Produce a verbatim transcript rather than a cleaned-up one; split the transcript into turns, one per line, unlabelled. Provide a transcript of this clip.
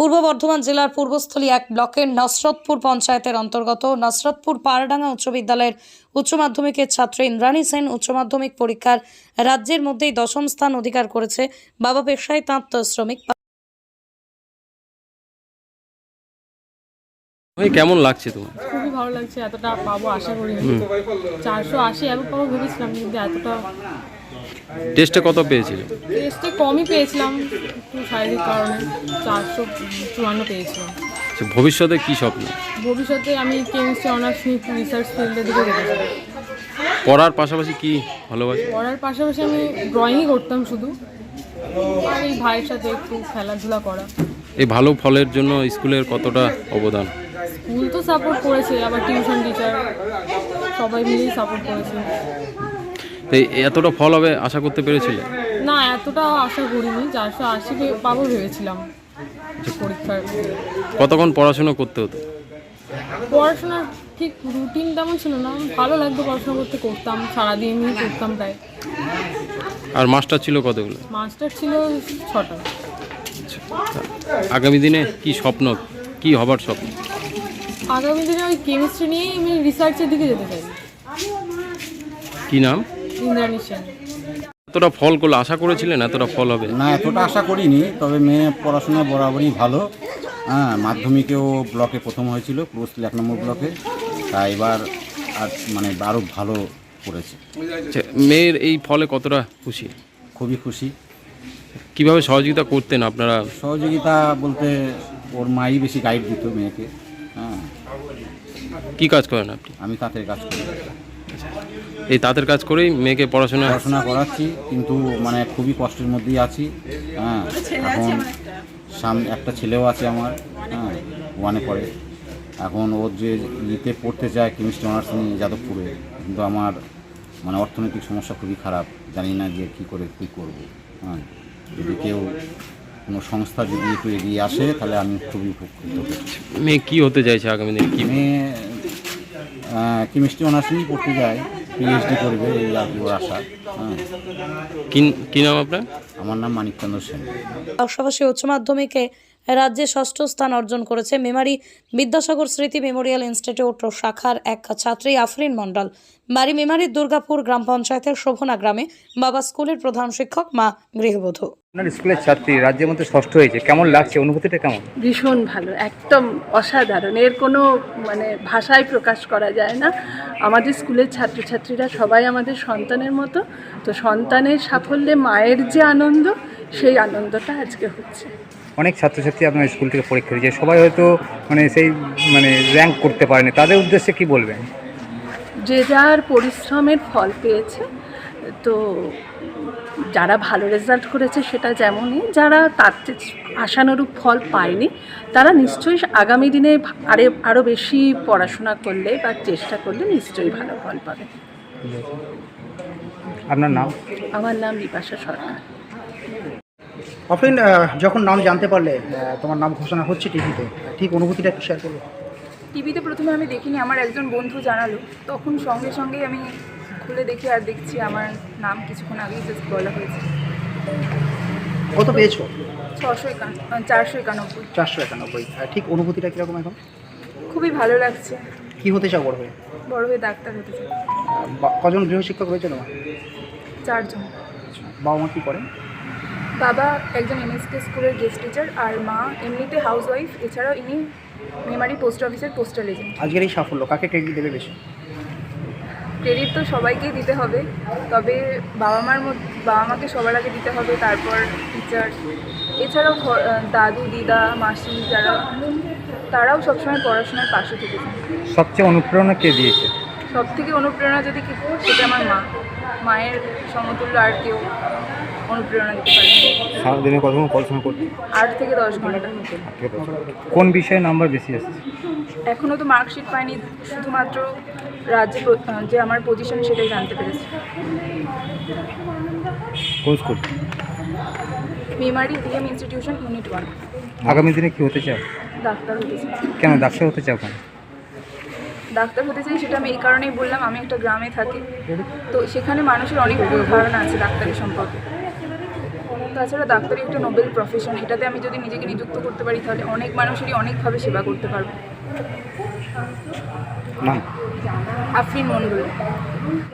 পূর্ব বর্ধমান জেলার পূর্বস্থলী এক ব্লকের নসরতপুর পঞ্চায়েতের অন্তর্গত নসরতপুর পাড়ডাঙ্গা উচ্চ বিদ্যালয়ের উচ্চ মাধ্যমিকের ছাত্রী ইন্দ্রাণী সেন উচ্চ মাধ্যমিক পরীক্ষার রাজ্যের মধ্যেই দশম স্থান অধিকার করেছে। বাবা পেশায় তাঁত শ্রমিক।
কেমন লাগছে তোমার?
খুবই ভালো লাগছে। এতটা পাবো আশা করিনি। চারশো আশি এত পাবো ভেবেছিলাম, কিন্তু এতটা
টেস্টে কত পেয়েছিলে?
টেস্টে কমই পেয়েছিলাম, একটু শারীরিক কারণে চারশো চুয়ান্ন পেয়েছিলাম।
আচ্ছা, ভবিষ্যতে কি স্বপ্ন?
ভবিষ্যতে আমি কেমিস্ট্রি অনার্স নিয়ে রিসার্চ ফিল্ডের দিকে যেতে চাই।
পড়ার পাশাপাশি কি ভালোবাসি?
পড়ার পাশাপাশি আমি ড্রয়িংই করতাম শুধু, আর এই ভাইয়ের সাথে একটু খেলাধুলা করা।
এই ভালো ফলের জন্য স্কুলের কতটা অবদান?
স্কুল তো সাপোর্ট করেছে, আবার টিউশন টিচার সবাই মিলেই সাপোর্ট করেছে।
তো এতটা ফল হবে আশা করতে পেরেছিলে?
না, এতটা আশা করিনি। চারশো আশি পাবো ভেবেছিলাম পরীক্ষার।
কতক্ষণ পড়াশোনা করতে হতো?
পড়াশোনা ঠিক রুটিন তেমন ছিল না, ভালো লাগতো পড়াশোনা করতে, করতাম সারাদিনই করতাম প্রায়।
আর মাস্টার ছিল কতগুলো?
মাস্টার ছিল ছটা।
আগামী দিনে কি স্বপ্ন, কি হবার স্বপ্ন?
আগামী দিনে ওই কেমিস্ট্রি নিয়েই আমি রিসার্চের দিকে যেতে চাই।
কি নাম?
ইন্দ্রাণী সেন।
এতটা ফল করলে আশা করেছিলেন এতটা ফল হবে?
না, এতটা আশা করিনি, তবে মেয়ে পড়াশোনা বরাবরই ভালো। হ্যাঁ, মাধ্যমিকেও ব্লকে প্রথম হয়েছিল, পূর্বস্থলী এক নম্বর ব্লকে। তাই এবার আর মানে আরও ভালো করেছে।
আচ্ছা, মেয়ের এই ফলে কতটা খুশি?
খুবই খুশি।
কিভাবে সহযোগিতা করতেন আপনারা?
সহযোগিতা বলতে ওর মাই বেশি গাইড দিত মেয়েকে। হ্যাঁ।
কি কাজ করেন আপনি?
আমি তাঁতের কাজ করি।
এই তাঁতের কাজ করেই মেয়েকে পড়াশোনা
পড়াশোনা করাচ্ছি, কিন্তু মানে খুবই কষ্টের মধ্যেই আছি। হ্যাঁ, এখন সামনে একটা ছেলেও আছে আমার, হ্যাঁ, ওয়ানে পড়ে। এখন ওর যে ইতে পড়তে চায় কেমিস্ট্রি অনার্স নিয়ে যাদবপুরে, কিন্তু আমার মানে অর্থনৈতিক সমস্যা খুবই খারাপ, জানি না যে কী করে কী করব। হ্যাঁ, যদি কেউ কোনো সংস্থা যদি একটু এগিয়ে আসে তাহলে আমি খুবই উপকৃত হব।
মেয়ে কি হতে চাইছে আগামী দিনে? কি
মেয়ে কেমিস্ট্রি অনার্স নিয়ে পড়তে যায়, পিএইচডি করবে, এই আর কি ওর আশা। হ্যাঁ।
কি নাম আপনার?
আমার নাম মানিকচন্দ্র সেন।
পাশাপাশি উচ্চ মাধ্যমিকে রাজ্যে ষষ্ঠ স্থান অর্জন করেছে মেমারি বিদ্যাসাগর স্মৃতি মেমোরিয়াল ইনস্টিটিউট ও শাখার এক ছাত্রী আফরিন মণ্ডল। বাড়ি মেমারির দুর্গাপুর গ্রাম পঞ্চায়েতের শোভনা গ্রামে। বাবা স্কুলের প্রধান শিক্ষক, মা গৃহবধূ।
আপনার স্কুলের ছাত্রী রাজ্যের মধ্যে ষষ্ঠ হয়েছে, কেমন লাগছে? অনুভূতিটা কেমন?
ভীষণ ভালো, একদম অসাধারণ। এর কোনো মানে ভাষায় প্রকাশ করা যায় না। আমাদের স্কুলের ছাত্রছাত্রীরা সবাই আমাদের সন্তানের মতো, তো সন্তানের সাফল্যে মায়ের যে আনন্দ, সেই আনন্দটা আজকে হচ্ছে।
অনেক ছাত্রছাত্রী আপনার স্কুল থেকে পরীক্ষা দিয়েছে, সবাই হয়তো মানে সেই মানে র্যাঙ্ক করতে পারেনি, তাদের উদ্দেশ্যে কি বলবেন?
যে যার পরিশ্রমের ফল পেয়েছে, তো যারা ভালো রেজাল্ট করেছে সেটা যেমনই, যারা তার আশানুরূপ ফল পায়নি তারা নিশ্চয়ই আগামী দিনে আরে আরও বেশি পড়াশোনা করলে বা চেষ্টা করলে নিশ্চয়ই ভালো ফল পাবে।
আপনার নাম?
আমার নাম বিপাশা সরকার।
আফরিন, যখন নাম জানতে পারলে তোমার নাম ঘোষণা হচ্ছে টিভিতে, ঠিক অনুভূতিটা একটু শেয়ার করবো?
টিভিতে প্রথমে আমি দেখিনি, আমার একজন বন্ধু জানালো, তখন সঙ্গে সঙ্গেই আমি খুলে দেখি আর দেখছি আমার নাম কিছুক্ষণ আগেই জাস্ট বলা হয়েছে।
কত পেয়েছো?
ছশো একান্ন চারশো একানব্বই
চারশো একানব্বই ঠিক অনুভূতিটা কীরকম এখন?
খুবই ভালো লাগছে।
কী হতে চাও বড় হয়ে?
বড় হয়ে ডাক্তার হতে চাই।
কজন গৃহশিক্ষক রয়েছে তোমার?
চারজন।
বাবা মা কী করেন?
বাবা একজন এমএসকে স্কুলের গেস্ট টিচার, আর মা এমনিতে হাউস ওয়াইফ। এছাড়াও ইনি মেমারি পোস্ট অফিসের পোস্টাল এজেন্ট।
আজকের এই সাফল্য কাকে ক্রেডিট দেবে বেশি?
ক্রেডিট তো সবাইকেই দিতে হবে, তবে বাবা মার মধ্যে বাবা মাকে সবার আগে দিতে হবে, তারপর টিচার, এছাড়াও দাদু দিদা মাসি যারা, তারাও সবসময় পড়াশোনার পাশে থেকেছে।
সবচেয়ে অনুপ্রেরণা কে দিয়েছে?
সব থেকে অনুপ্রেরণা যদি কি, সেটা আমার মা। মায়ের সমতুল্য আর কেউ অনুপ্রেরণা দিতে পারে।
সারাদিনে কতক্ষণ পড়াশোনা করতে?
আট থেকে দশ ঘন্টা।
কোন বিষয়ে নাম্বার বেশি আসছে?
এখনও তো মার্কশিট পাইনি, শুধুমাত্র রাজ্যে যে আমার পজিশন সেটাই জানতে পেরেছি।
কোন school?
Memari DM institution unit one.
আগামী দিনে কি হতে চাও?
ডাক্তার হতে চাই।
কেন ডাক্তার হতে চাও? কেন
ডাক্তার হতে চাই সেটা আমি এই কারণেই বললাম, আমি একটা গ্রামে থাকি, তো সেখানে মানুষের অনেক ভুল ধারণা আছে ডাক্তারি সম্পর্কে। তাছাড়া ডাক্তারি একটা নোবেল প্রফেশন, এটাতে আমি যদি নিজেকে নিযুক্ত করতে পারি তাহলে অনেক মানুষেরই অনেকভাবে সেবা করতে পারবো।
নাম
আফরিন মন্ডল।